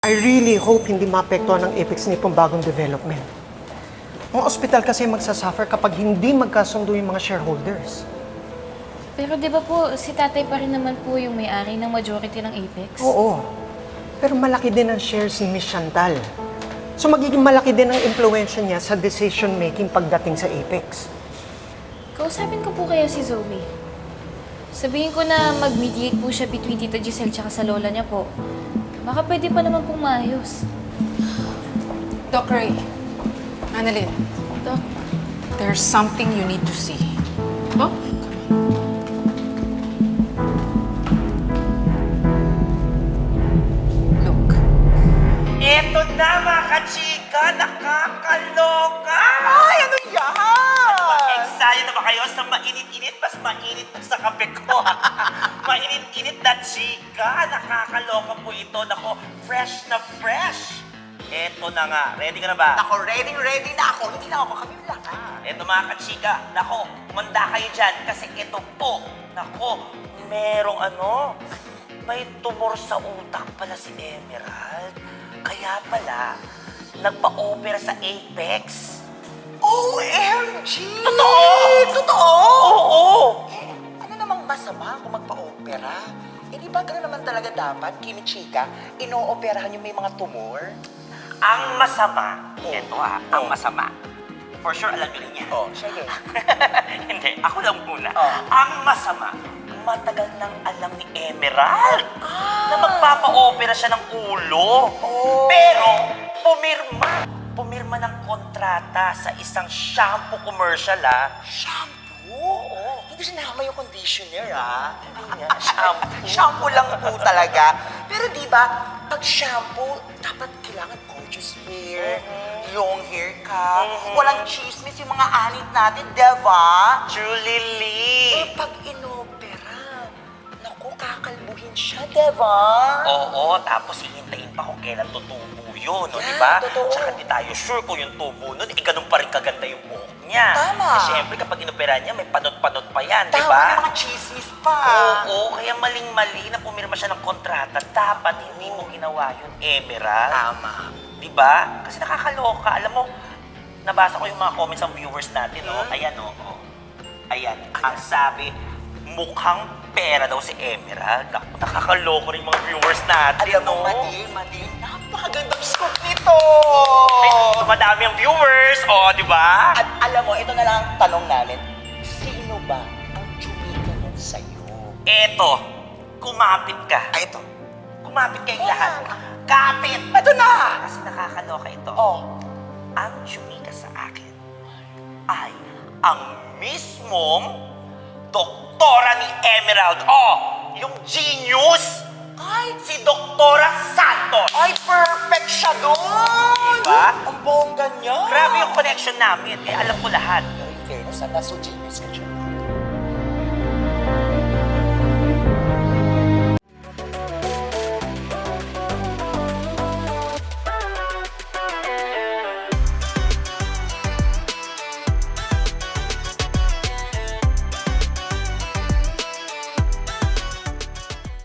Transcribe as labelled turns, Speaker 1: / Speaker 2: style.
Speaker 1: I really hope hindi maapektuhan ng Apex nitong bagong development. Ang ospital kasi magsasuffer kapag hindi magkasundo yung mga shareholders.
Speaker 2: Pero di ba po, si tatay pa rin naman po yung may-ari ng majority ng Apex?
Speaker 1: Oo. Pero malaki din ang shares ni Miss Chantal. So magiging malaki din ang impluensya niya sa decision-making pagdating sa Apex.
Speaker 2: Kausapin ko po kaya si Zoe. Sabihin ko na mag-mediate po siya between Tita Giselle tsaka sa lola niya po. Baka pwede pa naman pong maayos.
Speaker 3: Doc Ray, Annalyn,
Speaker 2: Doc,
Speaker 3: there's something you need to see. Oh? Look.
Speaker 4: Eto na mga kachika, nakakaloka!
Speaker 5: Ay, ano yan?
Speaker 4: Excited na ba kayo sa mainit-init? Mas mainit pa sa kape ko. Mainit-init na chika, nakakaloka po ito. Nako, fresh na fresh. Eto na nga, ready ka na ba?
Speaker 5: Ako, ready na ako. Hindi na ako kami lahat.
Speaker 4: Eto mga kachika, nako, kumanda kayo dyan kasi ito po, nako, merong may tumor sa utak pala si Emerald. Kaya pala, nagpa-opera sa Apex.
Speaker 5: OMG!
Speaker 4: Totoo!
Speaker 5: Totoo?
Speaker 4: Oo!
Speaker 5: Ano namang masama kung magpa-opera? Eh, di ba gano'n naman talaga dapat, Kimi Chika, ino-operahan yung may mga tumor?
Speaker 4: Ang masama, ang masama. For sure, alam nyo rin yan.
Speaker 5: Oh, sige.
Speaker 4: Hindi, ako lang muna.
Speaker 5: Oh.
Speaker 4: Ang masama, matagal nang alam ni Emerald na magpapa-opera siya ng ulo.
Speaker 5: Oh.
Speaker 4: Pero, pumirma ng kontrata sa isang shampoo commercial,
Speaker 5: Shampoo?
Speaker 4: Oo.
Speaker 5: Hindi sinama yung conditioner, ah. Hindi nga, shampoo. Shampoo lang po talaga. Pero di ba, pag shampoo, dapat kailangan gorgeous hair, long hair ka, walang chismis yung mga anit natin, diba?
Speaker 4: Julie
Speaker 5: Eh,
Speaker 4: Lee.
Speaker 5: pag inopera, naku, kakalbuhin siya, diba?
Speaker 4: Oo, tapos hihintayin pa kung kailan tutubo yun, no,
Speaker 5: Yan,
Speaker 4: di ba?
Speaker 5: totoo.
Speaker 4: Tsaka di tayo sure kung yung tubo nun, ganun pa rin kaganda yung buhok niya.
Speaker 5: Tama.
Speaker 4: Eh, syempre, kapag inoperahan niya, may panot-panot pa yan, di
Speaker 5: Tama,
Speaker 4: ba?
Speaker 5: may mga chismis pa.
Speaker 4: Oo, kaya maling-mali na pumirma siya ng kontrata. Dapat hindi mo ginawa yun, Emerald.
Speaker 5: Tama.
Speaker 4: Di ba? Kasi nakakaloka. Alam mo, nabasa ko yung mga comments ng viewers natin, no? Ayan, no? Ayan. Ang sabi, mukhang pera daw si Emerald. Naku, nakakaloko rin mga viewers natin,
Speaker 5: Alam mo,
Speaker 4: no?
Speaker 5: Madin, napakagandang scoop nito!
Speaker 4: Ay, dumadami ang viewers, di ba?
Speaker 5: At alam mo, ito na lang ang tanong namin. Sino ba ang chumika niyan sa'yo?
Speaker 4: Eto, kumapit ka.
Speaker 5: Ay, ito.
Speaker 4: Kumapit kayong
Speaker 5: Ayan.
Speaker 4: lahat. Kapit!
Speaker 5: Ito na!
Speaker 4: Kasi nakakaloka ito.
Speaker 5: Oh.
Speaker 4: Ang chumika sa akin ay ang mismong doktora ni Emerald. Yung genius!
Speaker 5: Ay,
Speaker 4: Si Doktora Santos!
Speaker 5: ay, perfect siya doon!
Speaker 4: Diba?
Speaker 5: Ang bongga niya!
Speaker 4: Grabe yung connection namin. Alam ko lahat.
Speaker 5: Pero in fairness, nasa genius ka siya.